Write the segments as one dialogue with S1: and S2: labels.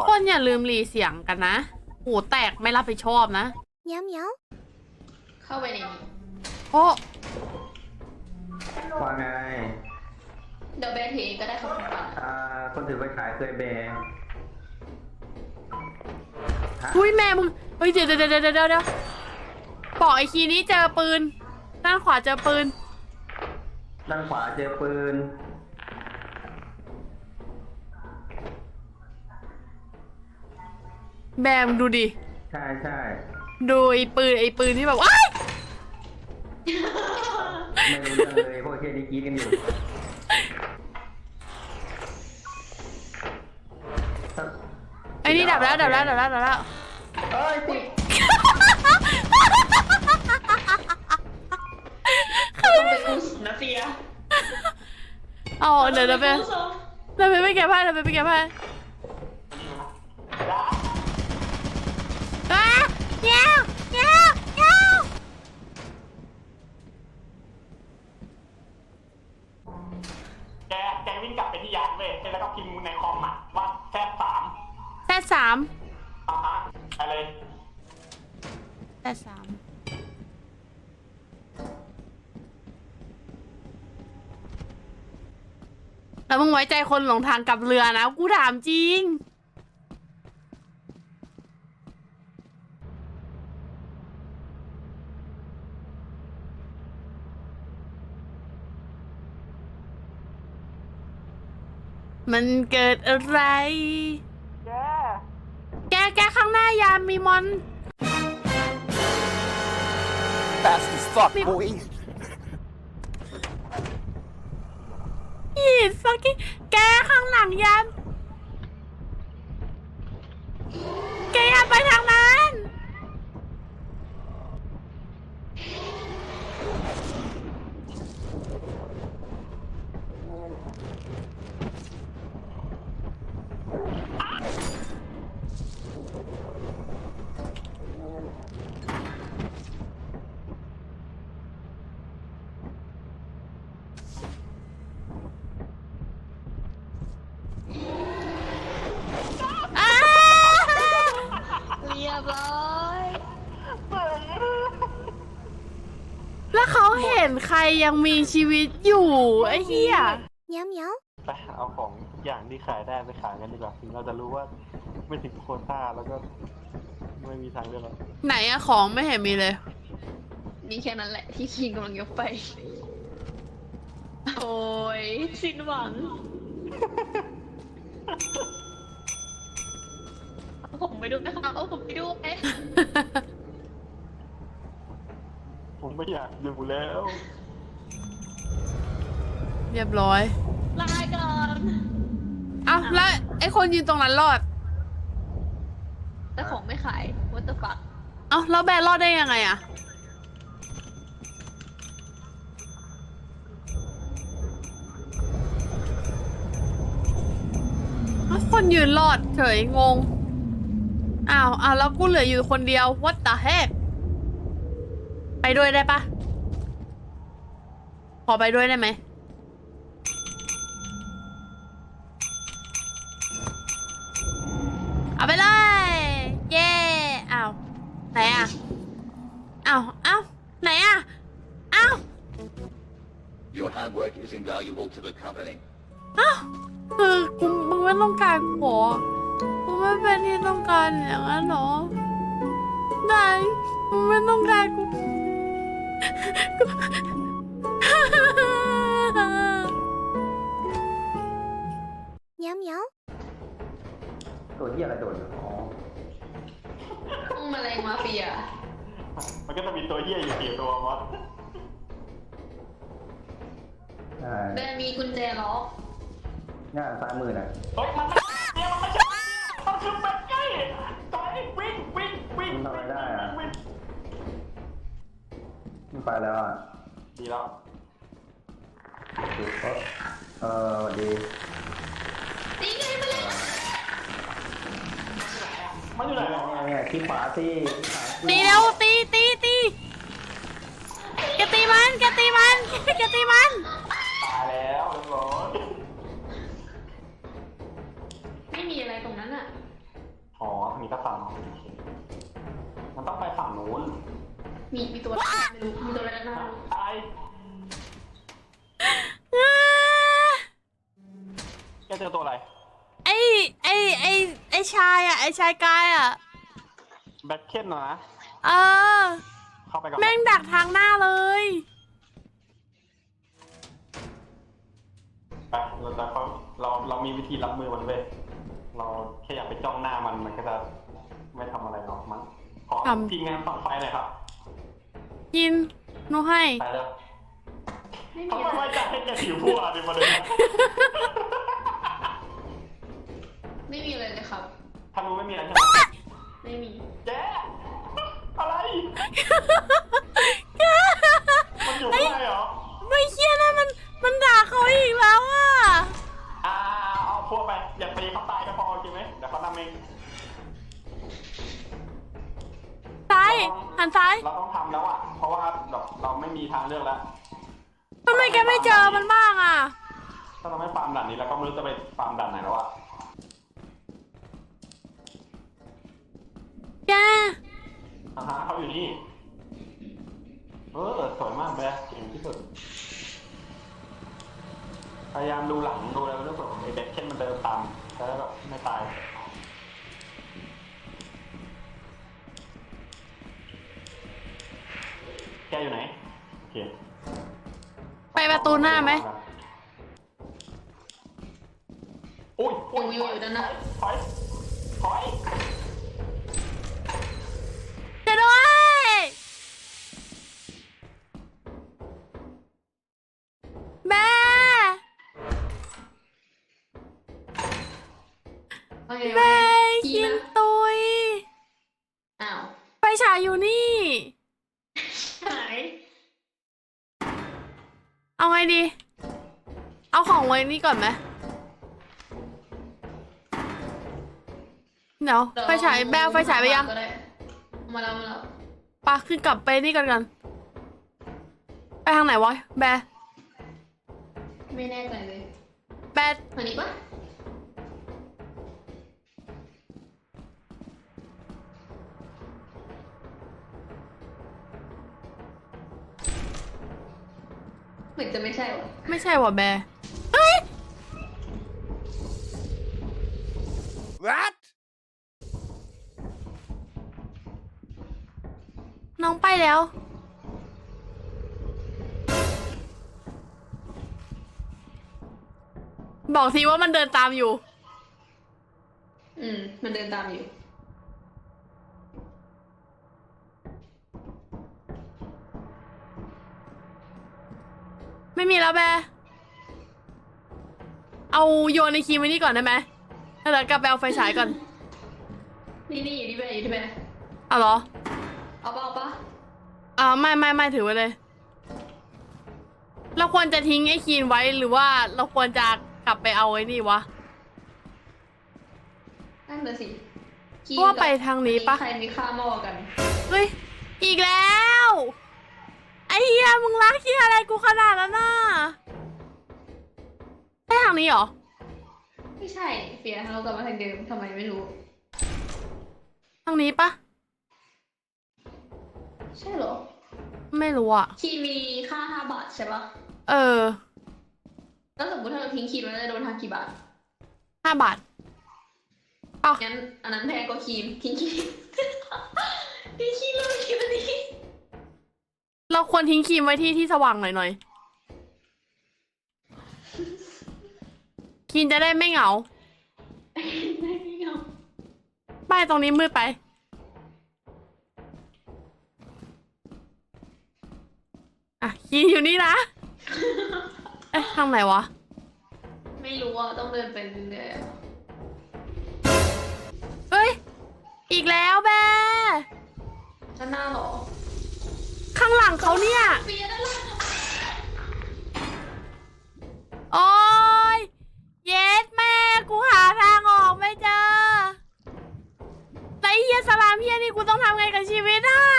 S1: กคนอย่าลืมรีเสียงกันนะหูแตกไม่รับผิดชอบนะ
S2: เหมียวเหมียว
S3: เข้าไปในนี้
S1: โอ้
S4: ว่าไง
S3: เดี๋ยวแบร์ถือก็ได้ครับคุณปัน
S4: คนถือไปขายเคยแบร์
S1: อุ้ยแม่มึงเฮ้ยเดี๋ยวบอกไอ้คีนี้เจอปืนด้านขวาเจอปืน
S4: ด้านขวาเจอปืน
S1: แบมดูดิ
S4: ใช่
S1: ดูไอ้ปืนที่แบบว้าย
S4: ไม่รู้เรื่องเลยพวกเชี่ยนี่กรี๊ดกันอยู่
S1: ไอ้นี่ดับแล้ว
S4: เอ้ยติด
S3: ต้องไปกู้นะเฟีย
S1: เอาเดี๋ยวไปเก็บผ้าเงี้ยว
S5: แกวิ่งกลับไปที่ยานเว้ยแล้วก็พิมพ์ในคอมว่าแซดสามอะไร
S1: แซดสามแล้วมึงไว้ใจคนหลงทางกลับเรือนะกูถามจริงมันเกิดอะไรแกข้างหน้ายามมีมอน
S6: Fast as fuck, boy.
S1: He's fucking แกข้างหลังยามแกอย่าไปทางนั้น
S3: เรียบร้อย
S1: แล้วเขาเห็นใครยังมีชีวิตอยู่ไอ้เหี้ย
S2: เหมียวเหมียว
S5: ไปเอาของอย่างที่ขายได้ไปขายกันดีกว่าถึงเราจะรู้ว่าไม่ถึงโควต้าแล้วก็ไม่มีทางเลือกแล้ว
S1: ไหนอะของไม่เห็นมีเลย
S3: นี่แค่นั้นแหละที่คิงกำลังยกไปโอ้ยสิ้นหวังผมไปดูนะคะผมไปดู
S5: ผมไม่อยากอยู่แล้ว
S1: เรียบร้อย
S3: ลาก่อน
S1: เอาแล้วไอ้คนยืนตรงนั้นรอด
S3: แต่ของไม่ขาย what the fuck
S1: เอาแล้วแบรรอดได้ยังไงอะคนยืนรอดเฉยงงอ้าวแล้วกูเหลืออยู่คนเดียว what the heck ไปด้วยได้ปะขอไปด้วยได้ไหมเอาไปเลยเย่อ้าวไหนอะอ้าวไหนอะอ้าว
S6: Your handwork is invaluable to the company.
S1: อ้าวคือมึงไม่ต้องการกูกูไม่เป็นที่ต้องการอย่างนั้นหรอได้มึงไม่ต้องการกู
S2: เหมียวเหมียว
S4: ตัวเหี้ยอะไรโดดอยู่
S3: แมลงมาเฟีย
S5: มันก็จะมีตัวเหี้ยอยู่4ตัววะ
S3: แบร์มีกุญแจล็อก
S4: ง่ายซ้ายมือนะ
S5: เฮ้ยมันไม่ใช่มันคือเป็ดไก่ตอนนี้วิ่ง
S4: ทำอะไรได้อะมันไปแล้วอ่ะ
S5: ดีแล้ว
S4: ดี
S3: ตีไง
S5: มันอยู่ไหน
S4: เนี่ยที่ขวาสิ
S1: ตีเร็วตีแกตีมัน
S5: ตายแล้วเรียบร้อย
S3: ไม่มีอะไรตรงนั้นอ่ะ
S5: มีกระสังโอเคมันต้องไปฝั่งนู้น
S3: มีตัวอะไรไม่รู้มีตัวอะไรนะ
S5: ไอ้แกเจอตัวอะไร
S1: ไอ้ชายอ่ะไอ้ชายกายอ่ะ
S5: แบ็คเคนเหรอนะ
S1: เออ
S5: เข้าไปก่อน
S1: แม่งดักทางหน้าเลย
S5: ไปเรามีวิธีรับมือมันเว้ยเราแค่อยากไปจ้องหน้ามันก็จะไม่ทำอะไรหรอกมั้งขอทีมงานฝั่งไฟหน่อยครับ
S1: กินหนูให้
S5: ไปแล้ว
S3: ไม่
S5: เขา
S3: มี
S5: ไม่
S3: อะไร
S5: ไว้ใจให้แกถือพวกดิประเด็น
S3: ไม่มีอะไรเลยครับ
S5: ทางนู้นไม่มีอะไรใช่ไหม
S3: ไม่มี
S5: แกอะไรมันอยู่ข้างในเหรอ
S1: ไม่เคียนะมันด่าเขาอีกแล้วอ่ะ
S5: เอาพวกไปอย่าตีเขาตายก็พอโอเคไหมเดี๋ยวเขานำเอง
S1: ซ้ายหันซ้าย
S5: เราต้องทำแล้วอ่ะเพราะว่าเราไม่มีทางเลือกแล้ว
S1: ทำไมแกไม่เจอมันบ้างอ่ะ
S5: ถ้าเราไม่ฟาร์มด่านนี้เราก็ไม่รู้จะไปฟาร์มด่านไหนแล้วอ่ะ
S1: แก
S5: เขาอยู่นี่สวยมากเลยเก่งที่สุดพยายามดูหลังดูอะไรไม่รู้สึกไอ้เด็กเช่นมันเดินตามแล้วแบบไม่ตายแกอยู่ไหนโอเค
S1: ไปประตูหน้าไหม
S5: อุ้ย
S3: อยู่ด้านหน้า
S5: ถอย
S1: เจะด้วยแม่
S3: โอเค
S1: แม่
S3: ขี่
S1: กิน
S3: นะ
S1: ตุย
S3: อ้าว
S1: ไฟฉายอยู่นี่
S3: หาย
S1: เอาไงดี เอาของไว้นี่ก่อนไหมเดี๋ยวไฟฉายแบลไฟฉายไปยัง
S3: ก็ด้มาแล้ว
S1: ปะขึ้นกลับไปนี่กัน ไปทางไหนวะแบร์
S3: ไม่แน่ใจเลย
S1: แบร์
S3: ทางนี้ปะเหมือนจะไม่ใช่วะ
S1: ไม่ใช่วะแบร์เฮ้ย
S6: What?
S1: น้องไปแล้ว บอกทีว่ามันเดินตามอยู่
S3: มันเดินตามอยู่
S1: ไม่มีแล้วแบร์เอาโยนในคีย์ไว้นี่ก่อนได้ไหมแล้วเดี๋ยวกลับไปเอาไฟฉายก่อน
S3: นี่อยู่ที่แบอยู่ที่แบ
S1: เอาเหรอ
S3: เอาปะ
S1: ไม่ถือไว้เลย เราควรจะทิ้งไอ้คีนไว้หรือว่าเราควรจะกลับไปเอาไอ้นี่วะ
S3: นั่นน่ะสิ
S1: เพราะว่าไปทางนี้ปะ
S3: ใครมีค่ามากกว่ากัน
S1: เฮ้ย อีกแล้ว ไอ้เหี้ยมึงรักที่อะไรกูขนาดนั้นน่ะใช่ทางนี้เหรอ
S3: ไม่ใช่เฟียเรากลับมาทางเดิมทำไมไม่รู้
S1: ทางนี้ปะ
S3: ใช่เหรอ
S1: ไม่รู้อ่ะ
S3: คีย์มีค่า5 บาทใช่ปะ
S1: เออ
S3: แล้วสมมติถ้าเราทิ้งคีย์ไว้จะโดนหักกี่บาท
S1: 5 บาท เอา
S3: งั้นอันนั้นแพงกว่าคีย์ทิ้งคีย์ ทิ้งคีย์เลยคีย์วันนี้
S1: เราควรทิ้งครีมไว้ที่สว่างหน่อยครีมจะได้ไม่เหงา
S3: ไม่เอา
S1: ป้ายตรงนี้มืดไป อ่ะครีมอยู่นี่นะ เอ๊ะทางไหนวะ
S3: ไม่รู้อ่ะต้องเดินไปเรื่อยๆอะ
S1: เฮ้ย อีกแล้วแบ
S3: ด้านหน้าเหรอ
S1: ข้างหลังเขาเนี่ย
S3: เฟียด้านหลัง
S1: โอ้ยเย็ดแม่กูหาทางออกไม่เจอแล้วไอ้เฮียสลามเฮียนี่กูต้องทำไงกับชีวิตอ่ะ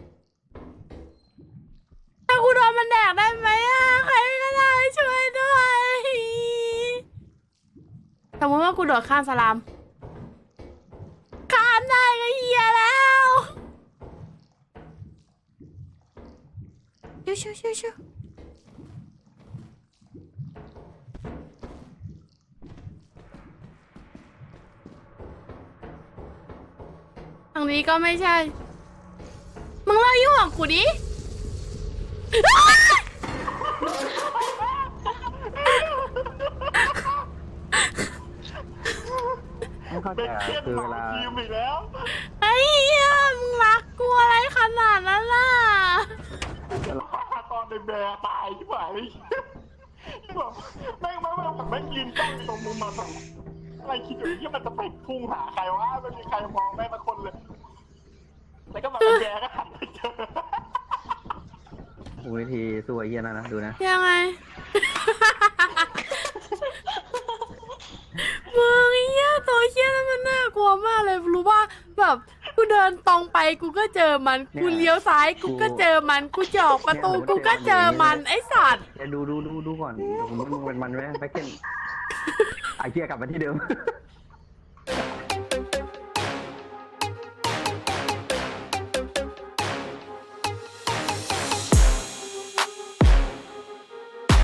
S1: ถ้ากูโดนมันแดกได้ไหมอ่ะใครก็ได้ช่วยด้วยสมมติว่ากูโดดข้ามสลามข้ามได้ชิวทางนี้ก็ไม่ใช่ มึงเลิกยุ่งกับกูดิ
S4: ไม่เข้าใจอะคือเวลา
S5: ทีมอีกแล้ว
S1: ไอ้เหี้ยมึงรักกูอะไรขนาดนั้นล่ะ
S5: ตอนในแบร์ตายที่ไหนแบบแม่งแบบแม่งยืนจ้องอยู่ตรงมุมมาแบบอะไรคิดอยู่ที่มันจะไปพุ่งหาใครวะไม่มีใครมองแม่งสักคนเลย แล้วก็แบบแบร์ก็หันไปเจอ
S4: วิธีสู้ไอ้เหี้ยนั่นนะดูนะ
S1: ยังไง มึงไอ้เหี้ยตัวเหี้ยนั้นมันน่ากลัวมากเลยรู้ป่ะแบบกูเดินตรงไปกูก็เจอมันกูเลี้ยวซ้ายกูก็เจอมันกูจะออกประตูกูก็เจอมันไอ้สัตว์
S4: ดูก่อนมึงเป็นมันไหมแบ็คเก้นไอ้เหี้ยกลับมาที่เดิม